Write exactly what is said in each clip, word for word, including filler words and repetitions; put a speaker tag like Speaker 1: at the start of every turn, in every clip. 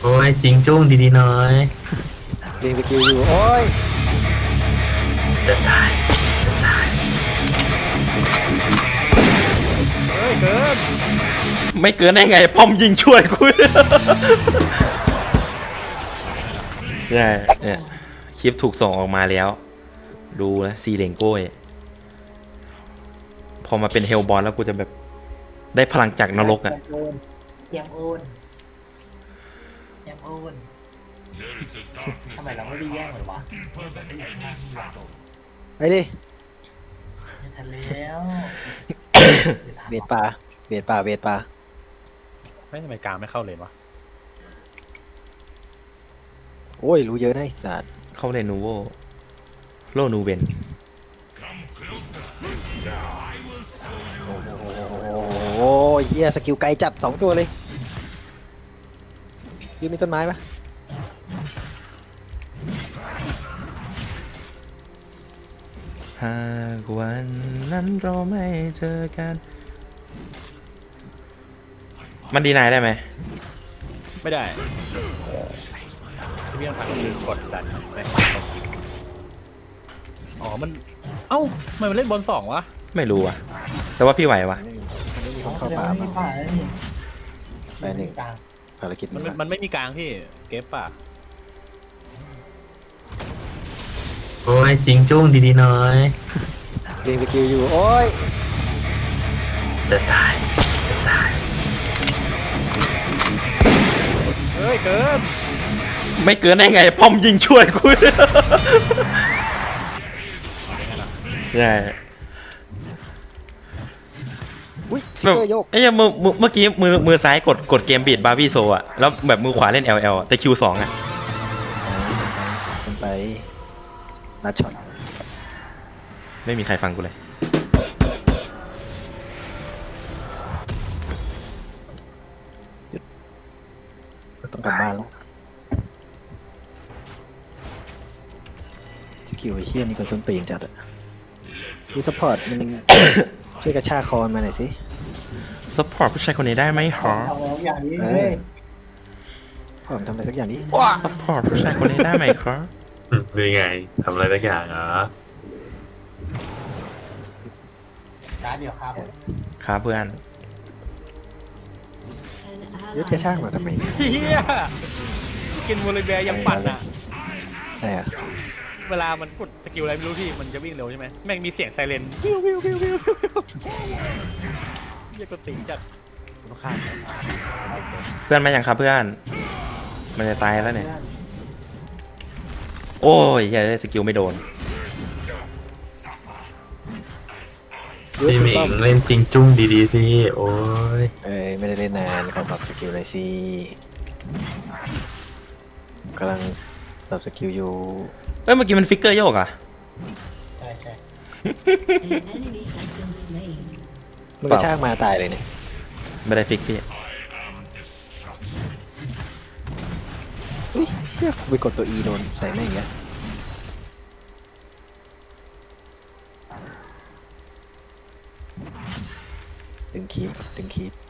Speaker 1: โอ้ยจริงจุ้งดีๆหน่อย
Speaker 2: เรียงสกิลอยู่โอ้ย
Speaker 1: จะตายจะตาย
Speaker 3: เฮ้ยเกิน
Speaker 4: ไม่เกินได้ไงป้อมยิงช่วยกูใช่เนี่ยคลิปถูกส่งออกมาแล้วดูนะซีเลงโก้ยพอมาเป็นเฮลบอลแล้วกูจะแบบได้พลังจากนรกอ่ะ
Speaker 5: แจมโอนแจมโอนทำไมเราไม่ได้แย่งเลยวะ
Speaker 2: ไปดิ
Speaker 5: ไม่ทันแล้ว
Speaker 2: เบียดป่าเบียดป่าเบียดป่า
Speaker 3: ไม่ทำไมกลางไม่เข้าเลนวะ
Speaker 2: โอ้ยรู้เยอะนะไอ้สัตว์
Speaker 4: เข้าเลนนูโวโลนูเวน
Speaker 2: โอ้ยเฮียสกิลไกลจัดสองตัวเลยยืนมีต้นไม้ปะ
Speaker 4: หากวันนั้นเราไม่เจอกันมันดีนายได้ไหม
Speaker 3: ไม่ได้พี่ต้องทำคือกดดันไปอ๋อมันเอ้าทำไมมันเล่นบอลสองวะ
Speaker 4: ไม่รู้อะแต่ว่าพี่ไหววะ
Speaker 2: มันไม่มีค
Speaker 5: อ๋อน แส
Speaker 2: เข้า
Speaker 5: ดง
Speaker 2: ป่า
Speaker 5: ว่ามี
Speaker 2: มา
Speaker 5: ป่าแล้วนี่
Speaker 2: ไปหนึ่ง
Speaker 5: กลาง
Speaker 2: ภารกิจ
Speaker 3: มัน
Speaker 2: นี้
Speaker 3: มันไม่มีกลางพี่เก็บป่ะ
Speaker 1: โอ้ยจริงจุ้งดีๆหน่อย
Speaker 2: เรียงสกิลอยู่โอ้ย
Speaker 1: จะตายจะตาย
Speaker 3: เฮ้ยเกิน
Speaker 4: ไม่เกินได้ไงป้อมยิงช่วยกูใช่
Speaker 2: อุ้ยฟิ
Speaker 4: แบบ
Speaker 2: กเกอร์โยก
Speaker 4: ไอ้เหี้ยมือมือเมื่อกี้มือมือซ้ายกดกดเกมบีดบาร์บี้โซอะแล้วแบบมือขวาเล่น แอล แอล อะแต่ คิว สองอะ
Speaker 2: มันไปนัดช็อต
Speaker 4: ไม่มีใครฟังกูเลย
Speaker 2: ต้องกลับบ้านแล้วสกิลไอ้เชี่ยนี่ก็ส้นตีนจัดอะดูซัพพอร์ตมัน ช่วยกระชากคอมาหน่อยสิ
Speaker 4: ซัพพอร์ตผู้ชายคนนี้ได้ไหมหรอ
Speaker 5: เอาแล้วอย่างนี้
Speaker 2: เอ
Speaker 5: เล
Speaker 2: อย พ่อผมทำอะไรสักอย่างนี้
Speaker 4: ซัพพอร์ตผู้ชายคนนี้ได้ไหมครับ
Speaker 1: อืมเป็นไงทำอะไรสักอย่างเหรอ
Speaker 5: การเดียวครับ
Speaker 4: ครับเพื่อน
Speaker 2: ยึดกระชากมาทำไมเนี่ย
Speaker 3: เฮียกินโมลิเบียยังปั่นอ่ะ
Speaker 2: ใช่อะ
Speaker 3: เวลามันกดสกิลอะไรไม่รู้พี่มันจะวิ่งเร็วใช่ไหมแม่งมีเสียงไซเรนวิววิววิววิวเฮียก็ติงจัดต้องข้าม
Speaker 4: เพื่อนมาอย่างครับเพื่อนมันจะตายแล้วเนี่ยโอ้ยเฮ้ยสกิลไม่โดน
Speaker 2: ยึด
Speaker 1: พี่ห
Speaker 2: ถู
Speaker 1: มิ
Speaker 2: กต้อง
Speaker 1: งเล่นจริงจุ้งดีๆสิโอ้ย
Speaker 2: เอ้ยไม่ได้เล่นนานขอปรับสกิลหน่อยสิกำลังปรับสกิลอยู่
Speaker 4: เอ้ยเมื่อกี้มันฟิกเกอร์โยกอะ
Speaker 5: ใช่ใช่
Speaker 2: มันกระชากมาตายเลยเนี่ย
Speaker 4: ไม่ได้ฟิกพี่
Speaker 2: อุ้ยเชี่ยกูไปกดตัว E โดนใส่แม่งอย่างเงี้ยดึงคีบดึงคีบ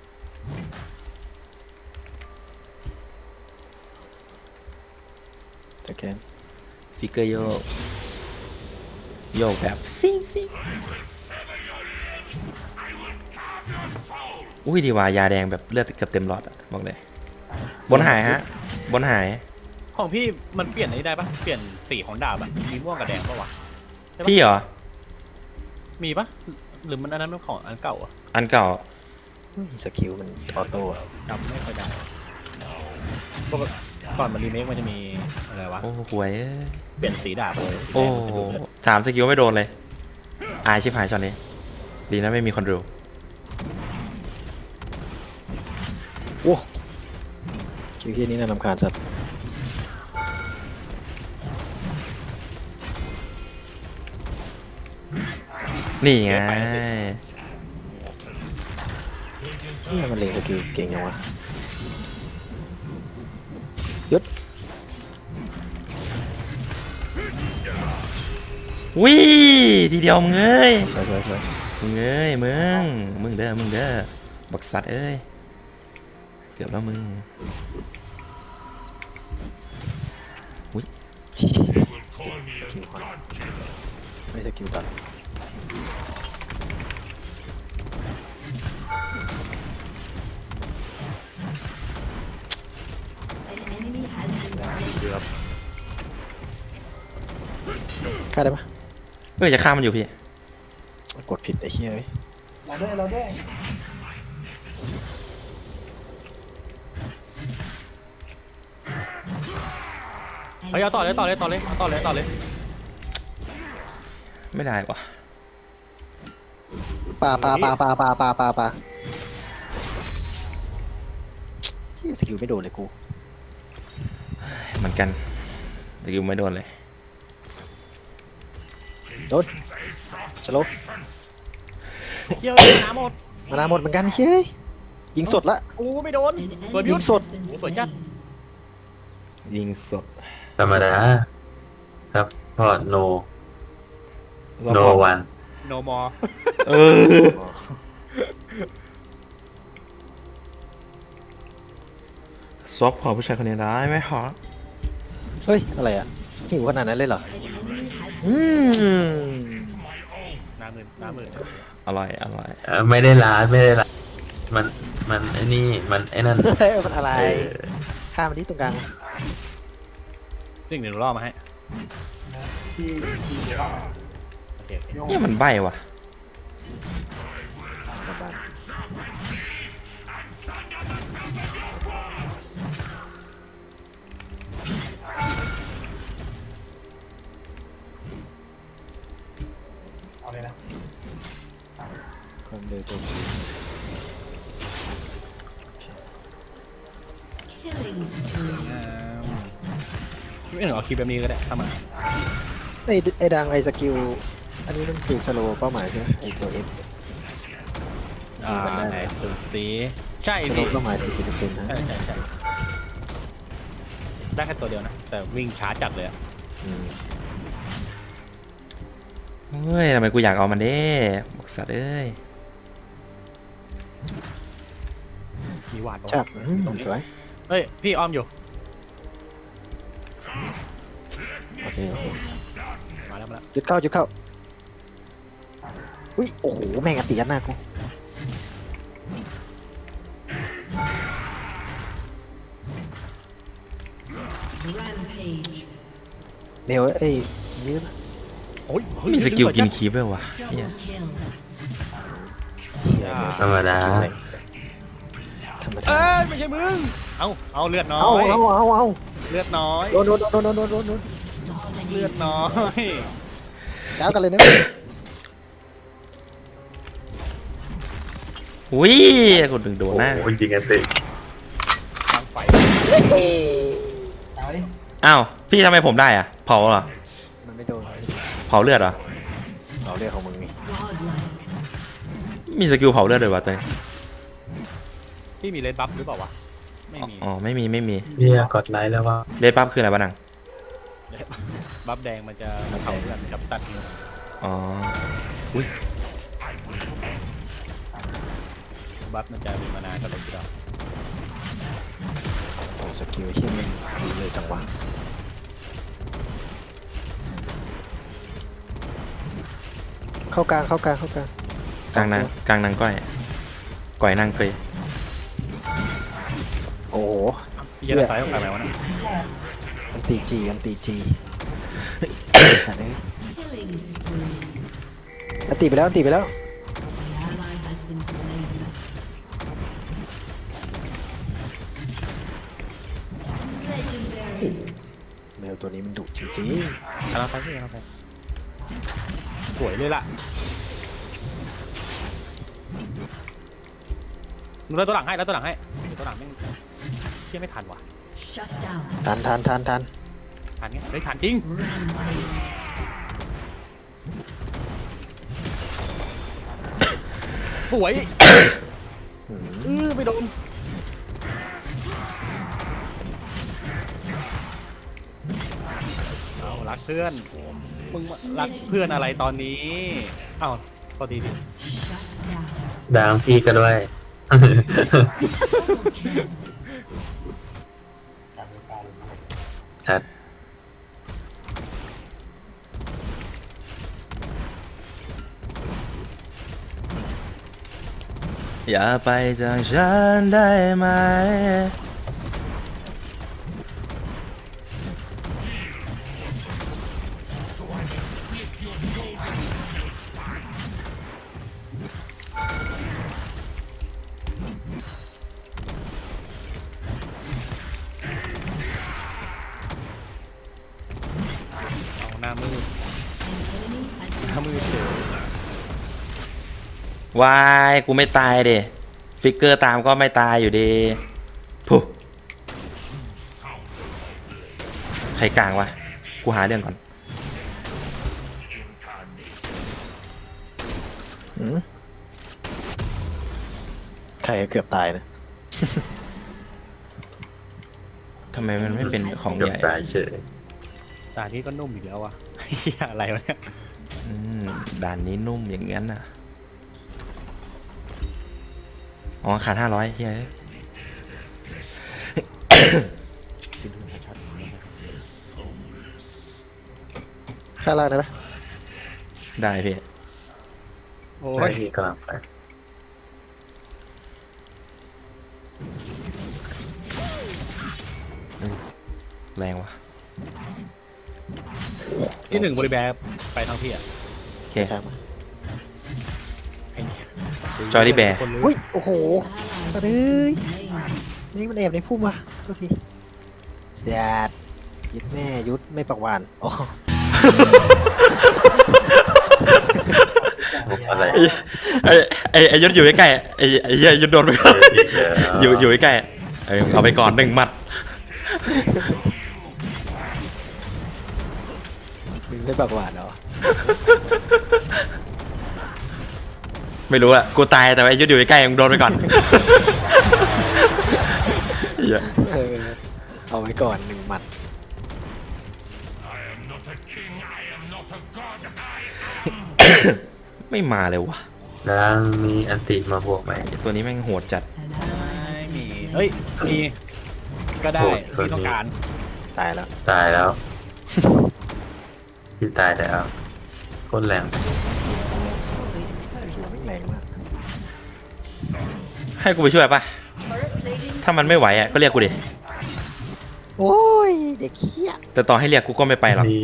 Speaker 2: จะแกน
Speaker 4: ฟิกเกอร์โยกโยกแบบซิงซิงอุ้ยดีว่ายาแดงแบบเลือดเกือบเต็มหลอดอะบอกเลยบนหายฮะบนหาย
Speaker 3: ของพี่มันเปลี่ยนอะไรได้ปะเปลี่ยนสีของดาบอะมีม่วงกับแดงปะวะใช่ปะ
Speaker 4: พี่เหรอ
Speaker 3: มีปะหรือมันอันนั้นเป็นของอันเก่าอะ
Speaker 4: อันเก่า
Speaker 2: อุ้ยสกิลมันออโต้อะ
Speaker 3: จำไม่ค่อยได้ปกติก่อนมันรีเมคมันจะมีอะไรวะ
Speaker 4: โอ้หวยเอ้ย
Speaker 3: เปลี่ยนสีดาบเลย
Speaker 4: โอ้โหสามสกิลไม่โดนเลยอายชิบหายช็อตนี้ดีนะไม่มีคนดู
Speaker 2: โอ้คิวเฮียนี้น่ารำคาญสัตว์
Speaker 4: นี่ไง
Speaker 2: เชี่ยมันเล็งสกิลเก่งยังวะยึด
Speaker 4: วิทีเดียวมึงเอ้ย
Speaker 2: สวยสวยสวย
Speaker 4: มึงเอ้ยมึงมึงเด้อมึงเด้อบักสัตว์เอ้ยเกือบแล้วมึง
Speaker 2: สกิลคอนไม่สกิลตัด
Speaker 3: เดือบ
Speaker 2: ฆ่าได้ปะ
Speaker 4: เอ้ยจะฆ่ามันอยู่พี่
Speaker 2: กดผิดไอ้เหี้ยเอ้ย
Speaker 5: เราด้วยเราด้วย
Speaker 3: เฮ้ยเอาต่อเลยต่อเลยต่อเลยเอาต่อเลยต่อเลย
Speaker 4: ไม่ได้ว่ะ
Speaker 2: ปลาปลาปลาปลาปลาปลาปลาปลาเหี้ยสกิลไม่โดนเลยกู
Speaker 4: เหมือนกันสกิลไม่โดนเลย
Speaker 2: โดนสลบ
Speaker 3: เหี้ยน้ำหมด
Speaker 2: มานาหมดเหมือนกันเฮ้ยยิงสดละ
Speaker 3: กูไม่โดนเปิด
Speaker 2: ยิ
Speaker 3: ยุ
Speaker 2: ง
Speaker 3: ด
Speaker 2: สด
Speaker 3: โอ้เปิดจัด
Speaker 4: ยิงสด
Speaker 1: ธรรมดาครับพอโน
Speaker 4: รอบ
Speaker 1: โน
Speaker 4: พอ
Speaker 1: วัน
Speaker 3: โนมอ
Speaker 4: เออซอฟพอผู้ชายคนนี้ได้ไหมฮะ
Speaker 2: เฮ้ยอะไรอ่ะหิวขนาดนั้นเลยเหรออืม
Speaker 3: น้ำหมื่นน้ำหมื่น
Speaker 4: อร่อยอร่อย
Speaker 1: เอ่อไม่ได้ร้านไม่ได้ร้านมันมันไอ้นี่มันไอ้นั่น
Speaker 2: เฮ้ยมันอะไร
Speaker 1: เออ
Speaker 2: ฆ่ามันที่ตรงกลาง
Speaker 3: สิ่งหนึ่งรอบมาให้
Speaker 5: ที่ที่
Speaker 3: โอเคโอเค
Speaker 5: โยง
Speaker 4: เนี่ยมันใบว่ะ
Speaker 2: บ้าน
Speaker 5: เอาเลยนะ
Speaker 2: ความเร็วโจมตี
Speaker 3: ไม่เหรอคีย์แบบนี้ก็ได้เข้ามา
Speaker 2: ไอ้ไอ้ดังไอ้สกิลอันนี้มันคือสโลว์เป้าหมายใช่ไหมไอ้ตัวเอฟ
Speaker 3: อ่าไหนสุดสีใช่
Speaker 2: สโล
Speaker 3: พี่
Speaker 2: ว์เป้าหมายถึงสิบเปอร์เซ็นต์นะ
Speaker 3: ใช่ใช่ใช่ได้แค่ตัวเดียวนะ แต่วิ่งช้าจัดเลยอะ
Speaker 2: อืม
Speaker 4: เฮ้ยทำไมกูอยากเอามันเด้บอกสัตว์เอ้ย
Speaker 3: มีหวาดปะวะ
Speaker 2: ชักอืมสวย
Speaker 3: เฮ้ย พี่อ้อมอยู่
Speaker 2: โอเคโอเค
Speaker 3: มาแล้วมาแล้ว
Speaker 2: จุดเข้าจุดเข้าอุ้ยโอ้โหแม่งอติยัดหน้ากู
Speaker 6: Rampage.
Speaker 2: เมลเอ้ยยืด
Speaker 3: โอ้ย
Speaker 4: มีสกิลกินคีบด้วยวะเหี้ย
Speaker 6: Double kill.
Speaker 1: ธรรมดา
Speaker 2: ธรรม
Speaker 3: เอ้
Speaker 2: ดาย
Speaker 3: ไม่ใช่มึง เอาเอาเลือดน้อ
Speaker 2: เอา
Speaker 3: ย
Speaker 2: เอาเอาเอา
Speaker 3: เลือดน้อย
Speaker 2: โดนโดนโดนโดนโดนโดนโดน
Speaker 3: เลือดน้อย
Speaker 2: ก้าวกันเลยนะ
Speaker 4: อุ้ยกูดึงโดนหน้า
Speaker 1: โอ้ยยิงกันติ
Speaker 3: ทางไฟ
Speaker 5: เอาดิ
Speaker 4: อ้าวพี่ทำไมผมได้อะเผาเหรอ
Speaker 2: มันไม่โดน
Speaker 4: เผาเลือดเหรอ
Speaker 2: เราเรียกของมึงนี่
Speaker 6: Godlike.
Speaker 4: มีสกิลเผาเลือดด้วยวะเต้ย
Speaker 3: พี่มีเลนบัฟหรือเปล่าวะ ไม่มี
Speaker 4: อ๋อไม่มีไม่มี
Speaker 1: เรียกดไลค์แล้วว่า
Speaker 4: เลดปั๊บคืออะไรบ้านัง
Speaker 3: บัฟแดงมันจะเผาเลือดกับตัดนิ้ว
Speaker 4: อ๋ออุ้ย
Speaker 3: บัฟมันจะมีมานานกับเลนที่เรา
Speaker 2: โอ้สกิลเฮี้ยมันดีเลยจังหวะเข้ากลางเข้ากลางเข้ากลาง
Speaker 4: กลางนางกลางนางก้อยก้อยนางเกย
Speaker 2: โอ้โห
Speaker 3: พี่จะได้ไฟออกไปไหมวะนะ
Speaker 2: อันตีจีอันตีจีสัตว์เอ้ย
Speaker 6: Killing spree.
Speaker 2: อันตีไปแล้วอันตีไปแล้ว
Speaker 6: An ally has been slain. Legendary.
Speaker 2: แมวตัวนี้มันดุจริง
Speaker 3: กำลังไปพี่กำลังไปสวยเลยล่ะมึงเล่นตัวหลังให้แล้วตัวหลังให้เดี๋ยวตัวหลังแม่งเที่ยไม่ทันว่ะ
Speaker 6: Shut down.
Speaker 2: ๆทันทันทันทัน
Speaker 3: ทันไงเฮ้ยทันจริง
Speaker 6: Rampage.
Speaker 3: สวย
Speaker 2: อืม
Speaker 3: อือไม่โดนเอารักเพื่อนมึงรักเพื่อนอะไรตอนนี้เอ้าพอดีดิ
Speaker 6: Shut down.
Speaker 1: ดังพี่ก็ด้วย
Speaker 6: Double kill.
Speaker 5: การดูการ
Speaker 1: ชัด
Speaker 4: อย่าไปจากฉันได้ไหม
Speaker 3: เอาหน้ามืด
Speaker 6: An enemy has
Speaker 3: หน้ามืดเฉยว
Speaker 4: ายกูไม่ตายเดฟิกเกอร์ตามก็ไม่ตายอยู่ดีพุใครกลางวะ กูหาเรื่องก่อน
Speaker 2: หืมใครเกือบตายนะ
Speaker 4: ทำไมมันไม่เป็นของ
Speaker 1: กับ
Speaker 4: ใหญ่
Speaker 1: สายเฉย
Speaker 3: ตาที่ก็นุ่มอีกแล้ววะ เหี้ยอะไรวะเนี่ย
Speaker 4: อืมด่านนี้นุ่มอย่างงั้นน่ะ อ๋อ ขาดห้าร้อยเฮ้ย
Speaker 2: ข้างล่างได้ไหม
Speaker 4: ได้พี่
Speaker 3: โอ้
Speaker 1: ไม่
Speaker 3: ย
Speaker 1: มีกำลังไป
Speaker 4: แรงวะ
Speaker 3: ที่หนึ่งบริแบร์ไปทางพี่อ่ะ
Speaker 4: โอเค
Speaker 2: ใช่ไหม
Speaker 4: จอยลี่แบร์
Speaker 3: คนรู้
Speaker 2: อุ้ยโอ้โห
Speaker 6: ally
Speaker 2: สะดือ
Speaker 6: slain.
Speaker 2: นี่มันแอบในพุ่มว่ะทุกทีเสียดยึดแม่ยุดไม่ปักหวานโอ้
Speaker 1: อะไร
Speaker 4: ไอ้ไอ้ไอ้ยศอยู่ใกล้ๆไอ้ไอ้เหี้ยยศโดนไปก่อน
Speaker 1: อีกแล้ว
Speaker 4: อยู่อยู่ใกล้ๆเออเอาไปก่อนหนึ่งหมัด
Speaker 2: มึงไม่ปักหวานเหรอ
Speaker 4: ไม่รู้อะกูตายแต่ว่าไอ้ยศอยู่ใกล้ๆมึงโดนไปก่อนเหี้ย
Speaker 2: เออเอาไว้ก่อนหนึ่งหมัด
Speaker 4: ไม่มาเลยวะ
Speaker 1: แล้วมีอันติมาบวกไหม
Speaker 4: ไอ้ตัวนี้แม่งโหดจัด
Speaker 6: An ally
Speaker 3: ไม่
Speaker 6: has
Speaker 3: มี
Speaker 6: been
Speaker 3: เฮ้ย มี ก็ได้
Speaker 1: โหด
Speaker 3: ที่ต้องการ
Speaker 2: ตายแล้ว
Speaker 1: ตายแล้วที่ตายแล้วโคตรแรง
Speaker 2: หัวไม่งแรงมาก
Speaker 4: ให้กูไปช่วยปะถ้ามันไม่ไหวอะก็เรียกกูดิ
Speaker 2: โอ้ยเด็กเขี้ย
Speaker 4: แต่ต่อให้เรียกกูก็ไม่ไปหรอก
Speaker 1: นี่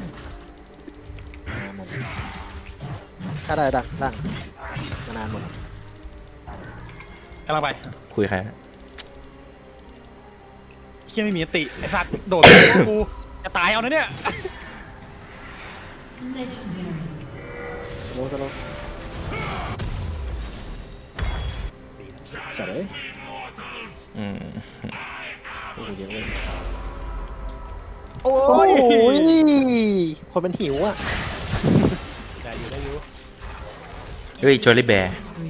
Speaker 2: ถ้าได้ดังดังมานานหมด
Speaker 3: กำลังไป
Speaker 4: คุยใครนะ
Speaker 3: เฮียไม่มีสติไอ้สัตว์โดดไปหากูจะตายเอานะเนี่ย
Speaker 6: legendary.
Speaker 2: สโลว์สโลว์เสร็จเลย
Speaker 4: อืม
Speaker 2: โอ้โหเยอะเลย
Speaker 3: โอ้
Speaker 2: โอ้
Speaker 3: ย
Speaker 2: ยคนมันหิวอ่ะ
Speaker 3: ได้อยู่ได้อยู่
Speaker 4: เฮ้ยจอรี่แบร์
Speaker 6: Spree.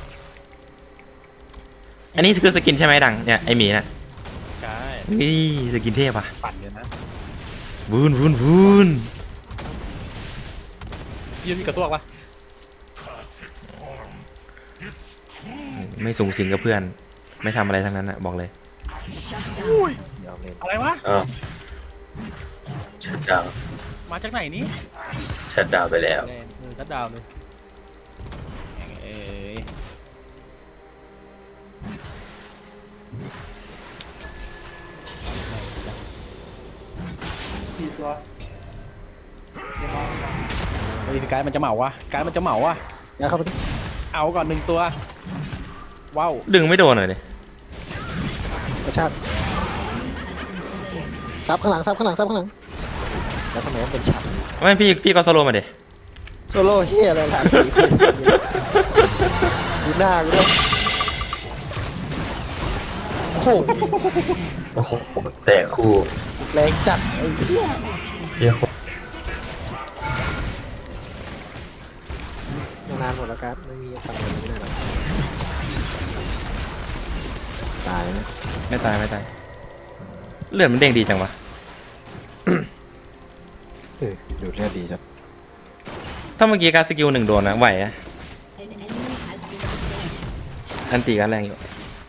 Speaker 4: อันนี้คือสกินใช่ไหมดังเนี่ยไอหมีน่ะ
Speaker 3: ใช่
Speaker 4: นี่สกินเทพอ่ะ
Speaker 3: ปั่นเดี๋ยวนะ
Speaker 4: วูนวูนวูน
Speaker 3: ยืนมีกระตัวปะ
Speaker 4: ไม่สูงสิงกับเพื่อน ไม่ทำอะไรทั้งนั้นอ่ะบอกเลย
Speaker 6: Shut down.
Speaker 2: ยอมเล่น
Speaker 3: อะไรวะ
Speaker 1: อ้าวชัดดาวน์
Speaker 3: มาจากไหนนี่
Speaker 1: ชัดดาวน์ไปแล้ว
Speaker 3: แรงเออทัดดาวน์เลยแม่งเอ้ย
Speaker 5: สี่ตัวเดี๋ยวมองก่อน
Speaker 3: เฮ้ยกายมันจะเหมาวะกายมันจะเหมาวะ
Speaker 2: อย่าเข้าไปดิ
Speaker 3: เอาก่อนหนึ่งตัว ว้าว
Speaker 4: ดึงไม่โดนเลยดิ
Speaker 2: กระชากซับข้างหลังซับข้างหลังซับข้างหลังแล้วทำไมมันเป็นฉับ
Speaker 4: ไม่พี่พี่ก็สโลว์มาดิ
Speaker 2: โซโล่เฮียอะไรล่ะดูหน้ากูด้วยโอ้โห
Speaker 1: โอ้โหแต่คู่
Speaker 2: แรงจัดไอ้เหี้ย
Speaker 1: เฮียโคตร
Speaker 2: นานหมดแล้วครับไม่มีทำอะไรไม่ได้หรอกตายนะ
Speaker 4: ไม่ตายไม่ตายเลือดมันเด้งดีจังวะ
Speaker 2: เออดูเลือดดีจัด
Speaker 4: ถ้าเมื่อกี้การสกิลหนึ่งโดนนะไหวอะ
Speaker 6: An enemy has been slain.
Speaker 4: อันตีกันแรงอยู่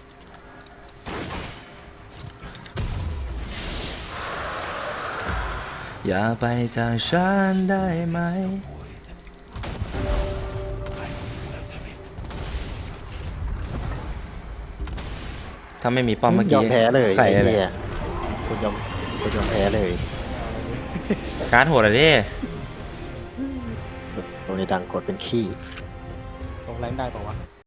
Speaker 4: อย่าไปจากฉันได้ไหมถ้าไม่มีป้อมเมื่อย
Speaker 2: อ
Speaker 4: กี้
Speaker 2: มแพ้เลย
Speaker 4: ใส่
Speaker 2: ไอ้
Speaker 4: เลย
Speaker 2: เหี้ยคุณยอมคุณยอมแพ้เลย
Speaker 4: การ์ดโหดอะดิ
Speaker 2: โดนในดังกดเป็นขี้
Speaker 3: ลงแรงได้ปะวะ